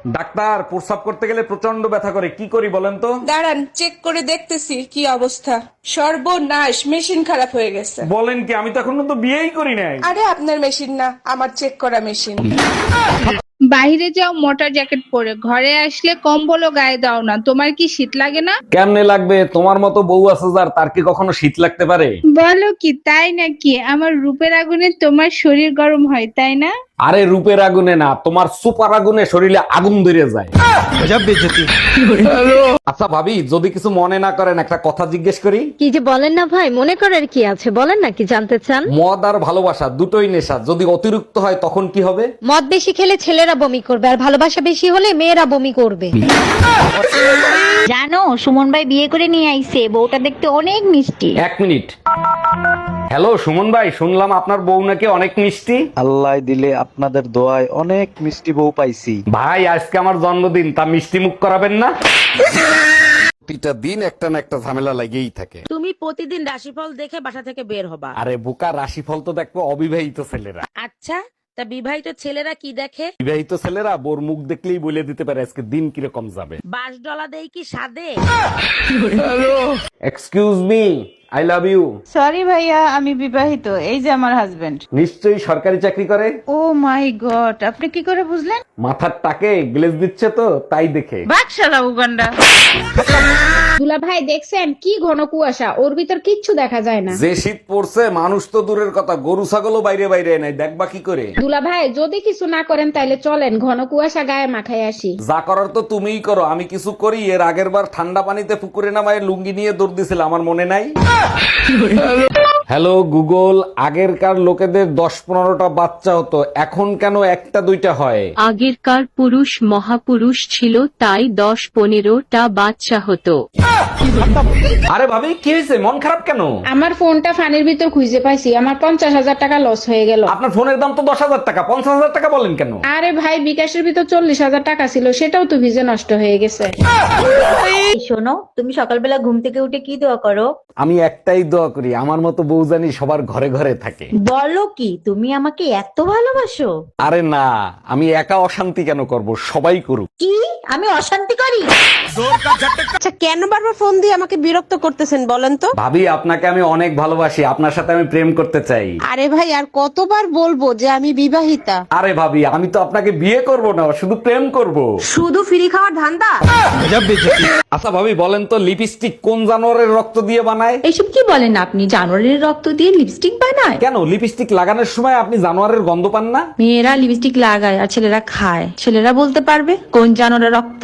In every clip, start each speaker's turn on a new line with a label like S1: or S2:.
S1: Doctor, প্রস্রাব করতে গেলে প্রচন্ড ব্যথা করে, কি করি বলেন তো?
S2: দাঁড়ান, চেক করে দেখতেছি কি অবস্থা। সর্বনাশ, মেশিন খারাপ হয়ে গেছে।
S1: বলেন কি? আমি তো এখনো তো বিয়েই করি নাই।
S2: আরে আপনার মেশিন না, আমার চেক করা মেশিন।
S3: বাইরে যাও মোটা জ্যাকেট পরে, ঘরে আসলে কম্বলও গায়ে দাও না। তোমার কি শীত লাগে না?
S1: কেমনে লাগবে? তোমার মতো বউ আছে যার, তার কি কখনো শীত লাগতে পারে?
S3: বলো কি, তাই নাকি? আমার রূপের আগুনে তোমার শরীর গরম হয়, তাই না?
S1: আরে রূপের আগুনে না, তোমার সুপার আগুনে শরীরে আগুন ধরে যায়। আচ্ছা ভাবি, যদি কিছু মনে না করেন একটা কথা জিজ্ঞেস করি।
S4: কি যে বলেন না ভাই, মনে করার কি আছে, বলেন না কি জানতে চান।
S1: মদ আর ভালোবাসা দুটোই নেশা, যদি অতিরিক্ত হয় তখন কি হবে?
S4: মদ বেশি খেলে ছেলেরা বমি করবে, আর ভালোবাসা বেশি হলে মেয়েরা বমি করবে।
S5: জানো, সুমন ভাই বিয়ে করে নিয়ে আইছে, বউটা দেখতে অনেক মিষ্টি।
S1: 1 মিনিট। হ্যালো সুমন ভাই, শুনলাম আপনার বউ নাকি অনেক মিষ্টি।
S6: আল্লাহ দিলে আপনাদের দোয়ায় অনেক মিষ্টি বউ পাইছি।
S1: ভাই আজকে আমার জন্মদিন, তা মিষ্টি মুখ করাবেন না? প্রতিটা দিন একটা না একটা ঝামেলা লাগেই থাকে।
S7: তুমি প্রতিদিন রাশিফল দেখে বাসা থেকে বের হবা।
S1: আরে বোকা, রাশিফল তো দেখবো অবিবাহিত ছেলেরা।
S7: আচ্ছা, তা বিবাহিত ছেলেরা কি দেখে?
S1: বিবাহিত ছেলেরা বোর মুখ দেখলেই বলে দিতে পারে আজকে দিন কিরকম যাবে।
S7: বাস ডলা দেই কি সাদে?
S1: Excuse me, I love you.
S8: Sorry ভাইয়া, আমি বিবাহিত। এই যে আমার হাজবেন্ড।
S1: নিশ্চয়ই সরকারি চাকরি করে।
S8: ও মাই গড, আপনি কি করে বুঝলেন?
S1: মাথার টাকে গ্লেজ দিচ্ছে তো, তাই দেখে।
S8: বাকশালা উগান্ডা।
S3: দুলা ভাই দেখছেন কি ঘন কুয়াশা, ওর ভিতর কিচ্ছু দেখা যায় না।
S1: যে শীত পড়ছে, মানুষ তো দূরের কথা, গরু ছাগলও বাইরে বাইরে নাই, দেখবা কি করে?
S3: দুলা ভাই যদি কিছু না করেন তাইলে চলেন ঘন কুয়াশা গায়ে মাখায় আসি।
S1: যা করার তো তুমিই করো, আমি কিছু করি? এর আগের বার ঠান্ডা পানিতে পুকুরে নামায় লুঙ্গি নিয়ে দৌড় দিছিল, আমার মনে নাই? হ্যালো গুগল, আগেরকার লোকেদের 10-15টা বাচ্চা হতো, এখন কেন 1-2টা হয়?
S9: আগেরকার পুরুষ মহাপুরুষ ছিল, তাই 10-15টা বাচ্চা হতো।
S1: আরে ভাবি, কি হয়েছে? মন খারাপ কেন?
S3: আমার ফোনটা ফানির ভিতর খুঁজে পাইছি, আমার 50,000 টাকা লস হয়ে গেল।
S1: আপনার ফোনের দাম তো 10,000 টাকা, 50,000 টাকা বলেন কেন?
S3: আরে ভাই, বিকাশের ভিতর 40,000 টাকা ছিল, সেটাও তো ভিজে নষ্ট হয়ে গেছে।
S5: শোনো, তুমি সকালবেলা ঘুম থেকে উঠে কি দোয়া করো?
S1: আমি একটাই দোয়া করি, আমার মতো বউ জানি সবার ঘরে ঘরে থাকে।
S5: বলো কি, তুমি আমাকে এত ভালোবাসো?
S1: আরে না, আমি একা অশান্তি কেন করব, সবাই করুক।
S5: কি আমি অশান্তি করি?
S2: আচ্ছা, কেন বারবার ফোন দিয়ে আমাকে বিরক্ত করতেছেন বলেন তো?
S1: ভাবি, আপনাকে আমি অনেক ভালোবাসি, আপনার সাথে আমি প্রেম করতে চাই।
S2: আরে ভাই, আর কতবার বলবো যে আমি বিবাহিতা?
S1: আরে ভাবি, আমি তো আপনাকে বিয়ে করব না, শুধু প্রেম করব।
S2: শুধু ফ্রি খাওয়ার ধান্দা?
S1: আচ্ছা ভাবি, বলেন তো লিপস্টিক কোন জানোয়ারের রক্ত দিয়ে বানায়?
S9: এইসব কি বলেন আপনি? জানোয়ারের রক্ত দিয়ে লিপস্টিক বানায়?
S1: কেন, লিপস্টিক লাগানোর সময় আপনি জানোয়ারের গন্ধ পান না?
S8: মেয়েরা লিপস্টিক লাগায় আর ছেলেরা খায়, ছেলেরা বলতে পারবে কোন জানোয়ারের রক্ত।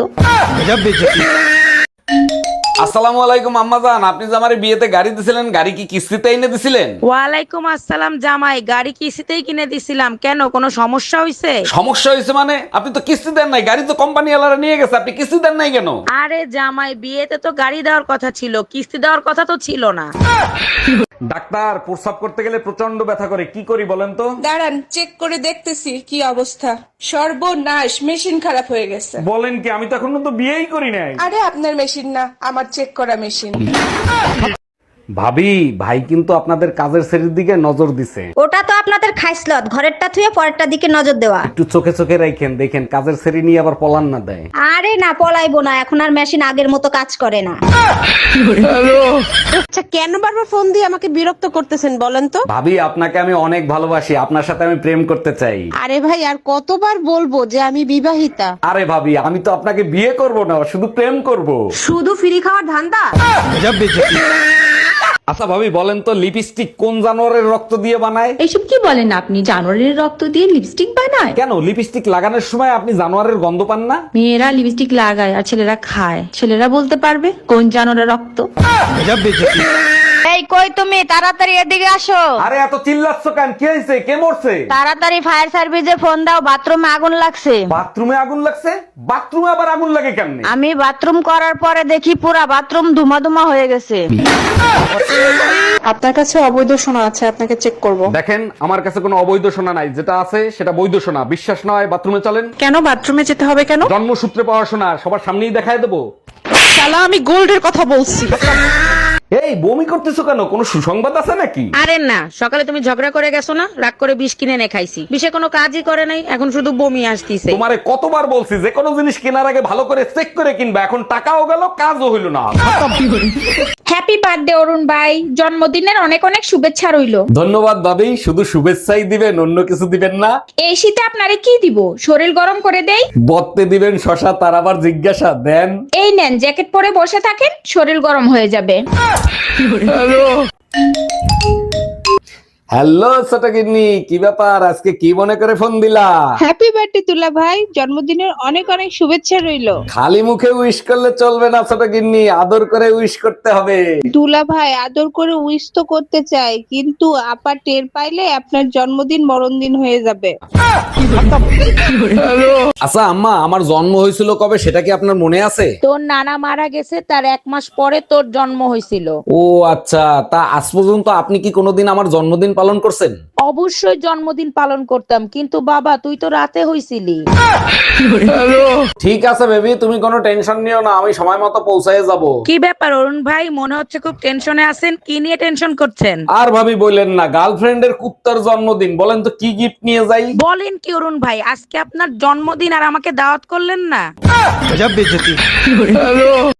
S1: আসসালামু আলাইকুম আম্মাজান, আপনি যে আমার বিয়েতে গাড়ি দিছিলেন, গাড়ি কি কিস্তিতে এনে দিছিলেন?
S7: ওয়ালাইকুম আসসালাম জামাই, গাড়ি কিস্তিতেই কিনে দিছিলাম। কেন, কোনো সমস্যা হয়েছে?
S1: সমস্যা হয়েছে মানে? আপনি তো কিস্তি দেন নাই, গাড়ি তো কোম্পানি ওয়ালারা নিয়ে গেছে, আপনি কিস্তি দেন নাই কেন?
S7: আরে জামাই, বিয়েতে তো গাড়ি দেওয়ার কথা ছিল, কিস্তি দেওয়ার কথা তো ছিল না।
S1: ডাক্তার, প্রস্রাব করতে গেলে প্রচন্ড ব্যথা করে, কি করি বলেন তো?
S2: দাঁড়ান, চেক করে দেখতেছি কি অবস্থা। সর্বনাশ, মেশিন খারাপ হয়ে গেছে।
S1: বলেন কি? আমি তো এখনো তো বিয়েই করি নাই।
S2: আরে আপনার মেশিন না, আমার চেক করা মেশিন।
S1: ভাবি, ভাই কিন্তু আপনাদের কাজের শ্রেণীর দিকে নজর দিছে।
S4: ওটা তো আপনাদের খাইসলত, ঘরেরটা থুয়ে পরেরটা দিকে নজর দেওয়া।
S1: একটু চোখে চোখে রাখেন, দেখেন কাজের শ্রেণী নিয়ে আবার পলান না দেয়।
S4: আরে না, পলাইবো না, এখন আর মেশিন আগের মতো কাজ করে না।
S2: আচ্ছা, কেন বারবার ফোন দিয়ে আমাকে বিরক্ত করতেছেন বলেন তো?
S1: ভাবি, আপনাকে আমি অনেক ভালোবাসি, আপনার সাথে আমি প্রেম করতে চাই।
S2: আরে ভাই, আর কতবার বলবো যে আমি বিবাহিতা?
S1: আরে ভাবি, আমি তো আপনাকে বিয়ে করব না, শুধু প্রেম করব।
S2: শুধু ফ্রি খাওয়ার ধান্দা?
S1: আচ্ছা ভাবি, বলেন তো লিপস্টিক কোন জানোয়ারের রক্ত দিয়ে বানায়?
S9: এইসব কি বলেন আপনি? জানোয়ারের রক্ত দিয়ে লিপস্টিক বানায়?
S1: কেন, লিপস্টিক লাগানোর সময় আপনি জানোয়ারের গন্ধ পান না?
S8: মেয়েরা লিপস্টিক লাগায় আর ছেলেরা খায়, ছেলেরা বলতে পারবে কোন জানোয়ারের রক্ত।
S4: এই কই তুমি, তাড়াতাড়ি এদিকে আসো।
S1: আরে এত চিল্লাচ্ছ কেন? কি হয়েছে? কে মরছে?
S4: তাড়াতাড়ি ফায়ার সার্ভিসে ফোন দাও, বাথরুমে আগুন লাগছে।
S1: বাথরুমে আগুন লাগছে? বাথরুমে আবার আগুন লাগে কেমনে?
S4: আমি বাথরুম করার পরে দেখি পুরা বাথরুম ধুমা ধুমা হয়ে গেছে।
S2: আপনার কাছে অবৈধ সোনা আছে, আপনাকে চেক করব।
S1: দেখেন, আমার কাছে কোনো অবৈধ সোনা নাই, যেটা আছে সেটা বৈধ সোনা। বিশ্বাস নয় বাথরুমে চলেন।
S2: কেন বাথরুমে যেতে হবে কেন?
S1: জন্মসূত্রে পাওয়া সোনা, সবার সামনেই দেখায় দেবো।
S2: শালা, আমি গোল্ডের কথা বলছি।
S1: এই বমি করতেছো কেন, কোনো সুসংবাদ আছে নাকি?
S7: আরে না, সকালে তুমি ঝগড়া করে গেছো না, রাগ করে বিষ কিনে এনে খাইছি, বিষে কোনো কাজই করে নাই, এখন শুধু বমি আসতিছে।
S1: তোমারে কতবার বলছি যে কোনো জিনিস কেনার আগে ভালো করে চেক করে কিনবা, এখন টাকাও গেল কাজও হইল না।
S3: হ্যাপি বার্থডে অরুণ ভাই, জন্মদিনের অনেক অনেক শুভেচ্ছা রইলো।
S1: ধন্যবাদ ভাবি, শুধু শুভেচ্ছাই দিবেন, অন্য কিছু দিবেন না?
S3: এই শীতে আপনারে কি দিব, শরীর গরম করে দেই?
S1: বত্তে দিবেন শশা, তার আবার জিজ্ঞাসা দেন।
S3: এই নেন জ্যাকেট পরে বসে থাকেন, শরীর গরম হয়ে যাবে।
S1: হ্যালো ছোট গিন্নি, কি ব্যাপার, আজকে কি মনে করে ফোন দিলা?
S3: হ্যাপি বার্থডে তুলা ভাই, জন্মদিনের অনেক অনেক শুভেচ্ছা রইলো।
S1: খালি মুখে উইশ করলে চলবে না ছোট গিন্নি, আদর করে উইশ করতে হবে।
S3: দুলা ভাই আদর করে উইশ তো করতে চাই, কিন্তু আপা টের পাইলে আপনার জন্মদিন মরণদিন হয়ে যাবে।
S1: আচ্ছা আম্মা, আমার জন্ম হয়েছিল কবে সেটা কি আপনার মনে আছে?
S7: তোর নানা মারা গেছে, তার 1 মাস পরে তোর জন্ম হয়েছিল।
S1: ও আচ্ছা, তা আজ পর্যন্ত আপনি কি কোনোদিন আমার জন্মদিন পালন করছেন?
S7: অবশ্যই জন্মদিন পালন করতাম, কিন্তু বাবা তুই তো রাতে হইছিলি।
S1: ঠিক আছে বেবি, তুমি কোনো টেনশন নিও না, আমি সময় মতো পৌঁছায় যাব।
S7: কি ব্যাপার অরুণ ভাই, মনে হচ্ছে খুব টেনশনে আছেন, কি নিয়ে টেনশন করছেন?
S1: আর ভাবি বললেন না, গার্লফ্রেন্ডের কুত্তার জন্মদিন, বলেন তো কি গিফট নিয়ে যাই?
S7: বলেন কি অরুণ ভাই, আজকে আপনার জন্মদিন আর আমাকে দাওয়াত করলেন না?